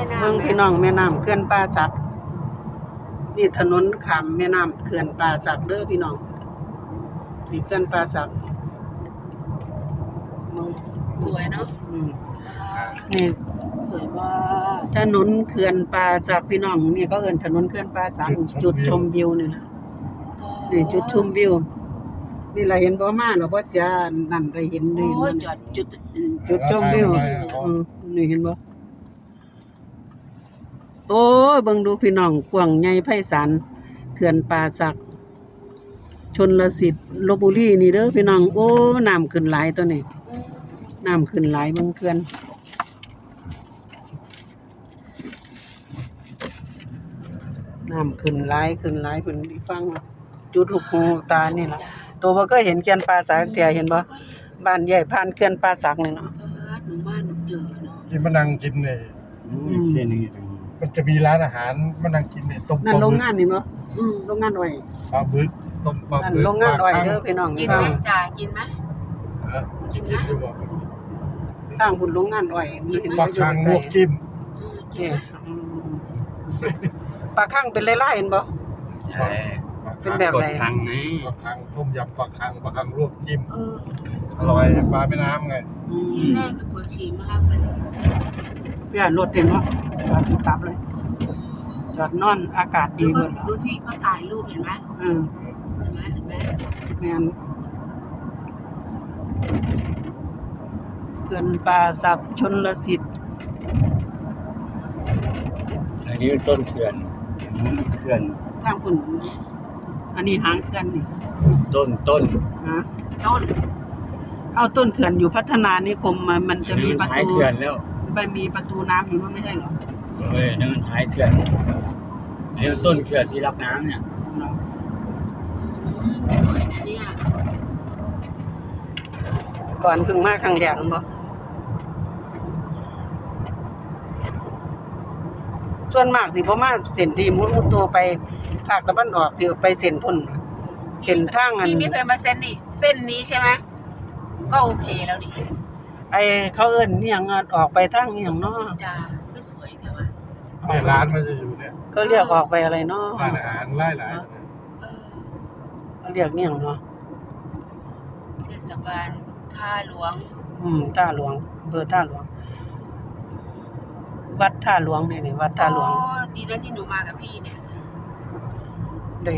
น้ำเมืองพี่น้องแม่น้ำเขื่อนป่าสักนี่ถนนข้ามแม่น้ำเขื่อนป่าสักเด้อพี่น้องนี่เขื่อนป่าสักสวยเนาะนี่สวยมากถนนเขื่อนป่าสักพี่น้องนี่ก็เอิ้นถนนเขื่อนป่าสักจุดชมวิวนี่ล่ะนี่จุดชมวิวนี่ล่ะเห็นบ่มาเนาะบ่เสียนั่นได้เห็นเลยโอ้ยจอดจุดชมวิวนี่เห็นบ่โอ้ยเบิ่งดูพี่น้องกว้างใหญ่ไพศาลเขื่อนป่าสักชลสิทธิ์ลพบุรีนี่เด้อพี่น้องโอ้น้ำขึ้นหลายตัวนี้น้ำขึ้นหลายเบิ่งเขื่อนน้ำขึ้นหลายเพิ่นฟังจุดลูกหูตานี่ล่ะตัวบ่เคยเห็นเขื่อนป่าสักเที่ยเห็นบ่บ้านใหญ่ผ่านเขื่อนป่าสักนี่เนาะหมู่บ้านเจอเนาะที่มานั่งกินเนี่ยเส้นนี้ตรงนี้มันจะมีร้านอาหารมานั่งกินเนี่ยต้มนั่นโรงงานนี่บ่โรงงานอ้อยปลาบึกต้มปลานั่นบึกโรงงานอ้อยเด้อพี่น้องกินไหมจ่ากินไหมกินอยู่บ่ทางบุญโรงงานอ้อยมีเห็นปลาคังลวกจิ้มนี่ปลาคั่งเป็นลายๆเห็นบ่ เป็นแบบไหนกดทางไหนปลาคังต้มยำปลาคังลวกจิ้มอร่อยปลาแม่น้ำไงที่แรกคือปวดฉี่มากเลยเพื่อนรถเต็มเนาะจอดตับเลย จอดนอนอากาศดีเบิดดูที่เขาถ่ายรูปเห็นไหมเห็นไหมแม่นเขื่อนป่าสักชลสิทธิ์อันนี้ต้นเขื่อนเขื่อนทางคุณอันนี้หางเขื่อนนี่ต้นฮะต้นเอาต้นเขื่อนอยู่พัฒนานิคมมันจะมีประท้ายตูเขื่อนแล้วไปมีประตูน้ำอยู่มันไม่ใช่เหรอนั่นมันท้ายเขื่อนนี่ต้นเขื่อนที่รับน้ำเนี่ยสวยนะเนี่ยก่อนเพิ่งมาครั้งแรกนั่นบ่ส่วนมากสิบ่มาเส้นที่มุดตัวไปภาคตะวันออกสิไปเส้นพุ่นเส้นทางอันพี่ไม่เคยมาเส้นนี้ใช่ไหมก็โอเคแล้วนี่ไอ้เขาเอิ้นอีหยังออกไปทางอีหยังเนาะจ้าก็สวยแต่ว่าเนี่ยร้านมันจะอยู่เนี่ยก็เรียกออกไปอะไรเนาะร้านอาหารหลายเขาเรียกอีหยังเนาะเทศบาลท่าหลวงท่าหลวงอำเภอท่าหลวง วัดท่าหลวงนี่วัดท่าหลวงอ๋อดีนะที่หนูมากับพี่เนี่ยได้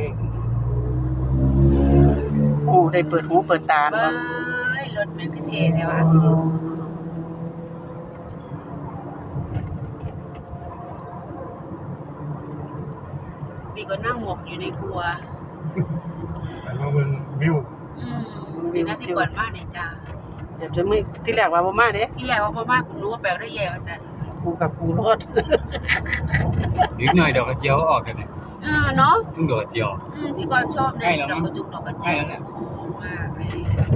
ได้เปิดหูเปิดตาเบ้เนาะยรถมันคือเทใช่ปะดีกว่านั่งหมกอยู่ในครัวๆแต่ว่ามันวิวดีนะที่เปิดบ้านเนี่ยจ้าเดี๋ยวจะไม่ที่แรกว่าบ่มาเด้ที่แรกว่าพ่อมากคุณรู้ว่าแปลได้แย่ว่าสันกูกับกูรถนิดหน่อยดอกกระเจียวออกกันเนี่ยเนาะทุ่งดอกกระเจียวพี่กรณ์ชอบในดอกกระจุกดอกกระเจียวชอบมากเลย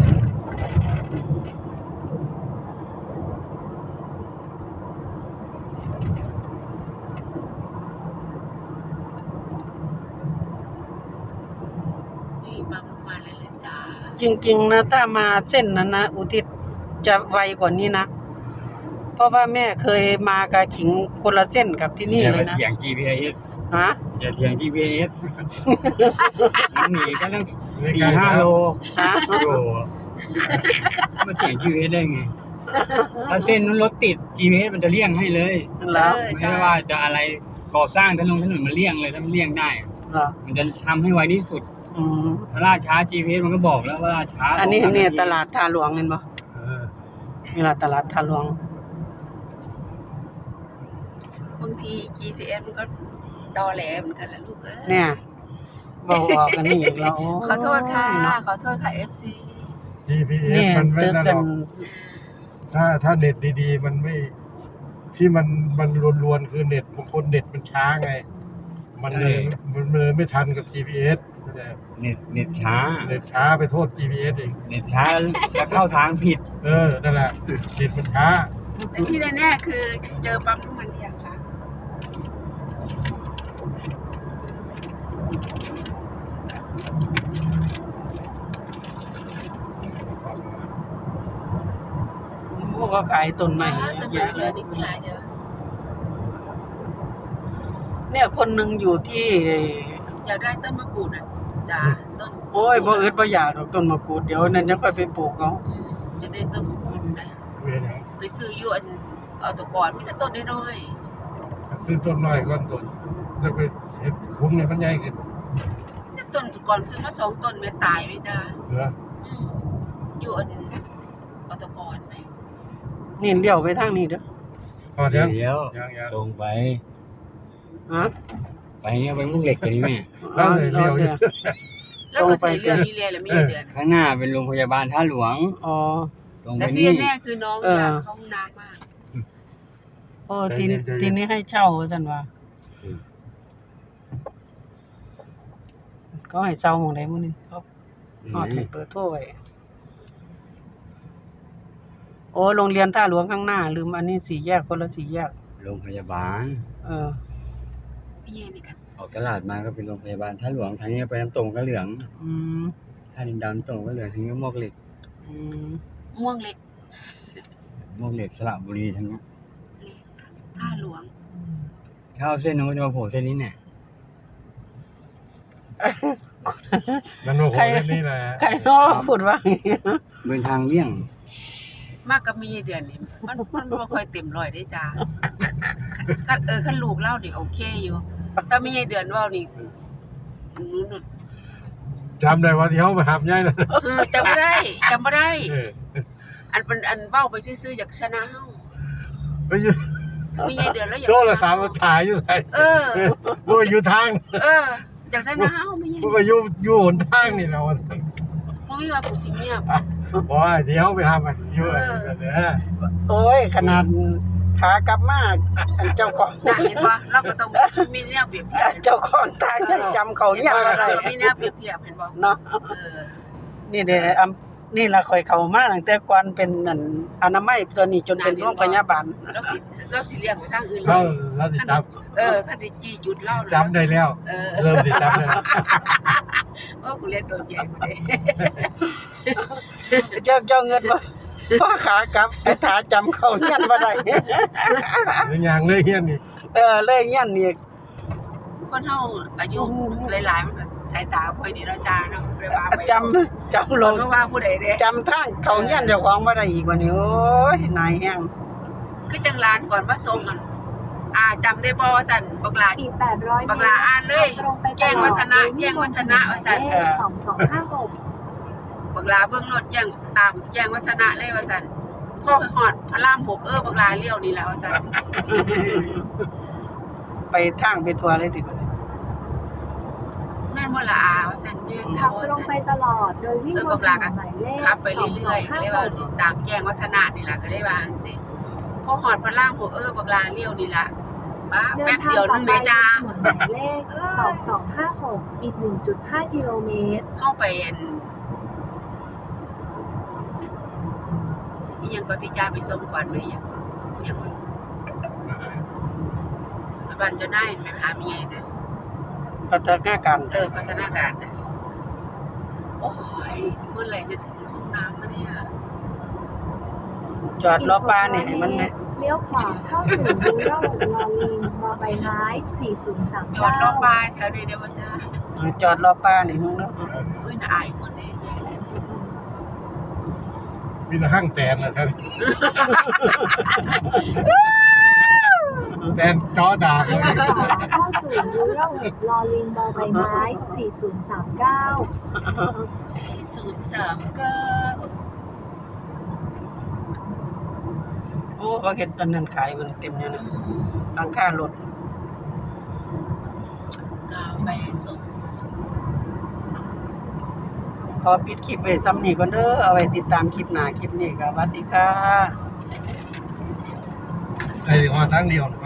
นี่ปั๊มน้ำมันเลยเลยจ้าจริงๆนะถ้ามาเส้นนั้นนะอุทิศจะไวกว่านี้นะเพราะว่าแม่เคยมากะขิงคนละเส้นกับที่นี่เลยนะเถียง GPS ฮะอย่าเถียง GPS มันหนีก็ตั้ง4-5 โลฮะโอ้โหมันเถียง GPS ได้ไงถ้าเส้นนั้นรถติด GPS มันจะเลี่ยงให้เลยแล้วไม่ใช่ว่าจะอะไรก่อสร้างถนนมันเลี่ยงเลยถ้ามันเลี่ยงได้เหรอมันจะทำให้ไวที่สุด ถ้าล่าช้า GPS มันก็บอกแล้วว่าล่าช้าอันนี้เนี่ยตลาดท่าหลวงเห็นบ่ นี่ล่ะตลาดท่าหลวงบางที GPS มันก็ตอแหลเหมือนกันแหละลูกเอ้ยเนี่ยบอกออกกันนี่อีกแล้วขอโทษค่ะเนาะขอโทษค่ะ FC GPS เนี่ยมันไม่ตึกนั่นหกัรนอกถ้าเน็ตดีๆมันไม่ที่มันรวนๆคือเน็ตบางคนเน็ตมันช้าไง มันเลยไม่ทันกับ GPS แต่เน็ตช้าเน็ตช้าไปโทษ GPS เองเน็ตช้าแล้วเข้าทางผิดนั่นแหละเน็ตมันช้าแต่ที่แน่ๆคือเจอปั๊มน้ำมันเดียวค่ะพวกก็ขายต้นไม้แต่เยมันอะเยแยะอะนี่คือหลายเดียวเนี่ยคนหนึงอยู่ที่อยากได้ต้นมะกรูดอ่ะจ้าต้นโอ้ยบ่อึดบ่อยากดอกต้นมะกรูดเดี๋ยวนั้นยังค่อยไปปลูกเอาจะได้ต้นมะกรูดนะเวยนะไปซื้ออยู่อันเอาตะกอนมีแต่ต้นน้อยซื้อต้นน้อยก่อนต้นจะไปเห็ดคุ้มเนี่ยมันใหญ่ขึ้นๆแต่ต้นตะกอนซื้อมา2ต้นแม่ตายไว้จ้าเหรออยู่อันเอาตะกอนไหมนี่เลี้ยวไปทางนี้เด้อพอเดี๋ยวเดี๋ยวยังตรงไปฮะไปเนี่ยไปมุกเหล็กกันนี่แม่แล้วเลยเลี้ยวอยู่แล้วก็ใส่เรื่องนี้เลยแล้วมีเดือนข้างหน้าเป็นโรงพยาบาลท่าหลวงอ๋อตรงไปแต่ที่นี่แน่คือน้องเออออยากเข้าห้องน้ำมากโอ้ทีนี้ให้เช่าว่าซั่นว่าก็ให้เช่าหม้องใดหมื้อนึงเขาฮอดให้เบอร์โทรไว้โอ้โรงเรียนท่าหลวงข้างหน้าลืมอันนี้4แยกคนละ4แยกโรงพยาบาลเออพี่เย็นนี่กันออกตลาดมาก็เป็นโรงพยาบาลท่าหลวงทางนี้ไปน้ำตกก็เหลืองอืมท่าดินดำตกก็เหลืองทางนี้มวกเหล็กอืมม่วงเล็กมวกเหล็กสระบุรีทางนี้ท่าหลวงถ้าเอาเส้นนู้นก็จะมาโผล่เส้นนี้เนี่ยมันโอ้โหเล่นนี่แหละใครเนาะพูดว่าอย่างงี้เป็นทางเลี่ยงมากกับมีเดือนนี่มันบ่ค่อยเต็มร้อยได้จ้าคันลูกเล่านี่โอเคอยู่แต่มีเดือนเว้านี่นู่นจำได้ว่าที่เขามาหับย่ายนะจำบ่ได้เอออันเป็นอันเว้าไปซื่อๆอยากชนะเฮาไปอยู่มีเดือนแล้วอยากโทรศัพท์มาถ่ายอยู่ใส่เออพวกอยู่ทางอยากชนะเฮามีพวกก็อยู่หนทางนี่เราบ่มีว่าผู้สิเงียบบอกว่าเดี๋ยวไปหามันอยู่เด้อโอ้ยขนาดขากลับมาอันเจ้าของน่ะเห็นบ่เราก็ต้องมีแนวเปรียบเทียบเจ้าของทางยังจำเขายังบ่ได้มีแนวเปรียบเทียบเห็นบ่เนาะ นี่เด้นี่ล่ะข่อยเข้ามาตั้งแต่ก่อนเป็นนั่นอนามัยตัวนี้จนเป็นโรงพยาบาลเราสิเลี้ยงไปทางอื่นเราติดตามคันสิจี้จุดเล่าจำได้แล้ว เริ่มติดตามได้แล้วกูเรียนตัวใหญ่กูเด้เจ้าเงินบ่พอขากลับไอ้ถาจำเขาเฮียนบ่ได้เป็นอย่างเลยเฮียนนี่เลยเฮียนนี่คนเฮาอายุหลายๆมันก็สายตาบ่ค่อยดีแล้วจ้าเนาะไปว่าไปจำลงเพราะว่าผู้ใดเด้จำทางเขาเฮียนเจ้าของบ่ได้อีกว่านี้โอ้ยนายแฮงคือจังหลานก่อนมาส่งกันจำได้บ่ว่าซั่นบักหลาอีก800 บักหลาอ่านเลยตรงไปแจ้งวัฒนะแจ้งวัฒนะว่าซั่น 2256 บักหลาเบิ่งรถแจ้งตามแจ้งวัฒนะเลยว่าซั่นพอฮอดพระราม6บักหลาเลี้ยวนี่แหละว่าซั่นไปทางไปทัวร์เลยติบัดนี้แม่นบ่ล่ะว่าซั่นแม่นขับตรงไปตลอดโดยวิ่งบบันกถหลาน ก็นหมายเลขขับไปเรื่อยๆก็เลยว่าตามแจ้งวัฒนะนี่ล่ะก็เลยว่าจังซี่พอฮอดพระราม6บักหลาเลี้ยวนี่ล่ะบ้าเดิแป๊นบทางเดียวต่นึอง ไปแม่จ้าถนนหมายเลข2256อีก 1.5 กิโลเมตรเข้าไปอีหยังก็ที่จ้าไปส่งก่อนไหมหยังบ้านเจ้านายไปหาเมียน่ะพัฒนาการพัฒนาการน่ะโอ้ยเมื่อไหร่จะถึงห้องน้ำวะเนี่ยจอดรอป้านี่ให้มันเนี่ยเลี้ยวขวาเข้าสู่รูร่องลอลิงมอใบไม้4039 จอดรอบบ้านแถวนี้เด้อว่าจ้าจอดรอป้านี่มึงเนาะอุ้ยน่าอายคนเลยมีแต่ห้างแตนนะครับแตนจอด่าเลยเข้าสู่รูร่องลอลิงมอใบไม้4039 โอ้เขาเฮ็ดอันนั้นขายมันเต็มอยู่นะหลังคารถกาแฟสดขอปิดคลิปไว้ซ้ำนี้ก่อนเด้อเอาไว้ติดตามคลิปหน้าคลิปนี้ก็สวัสดีค่ะไอ้ว่าทางเดียว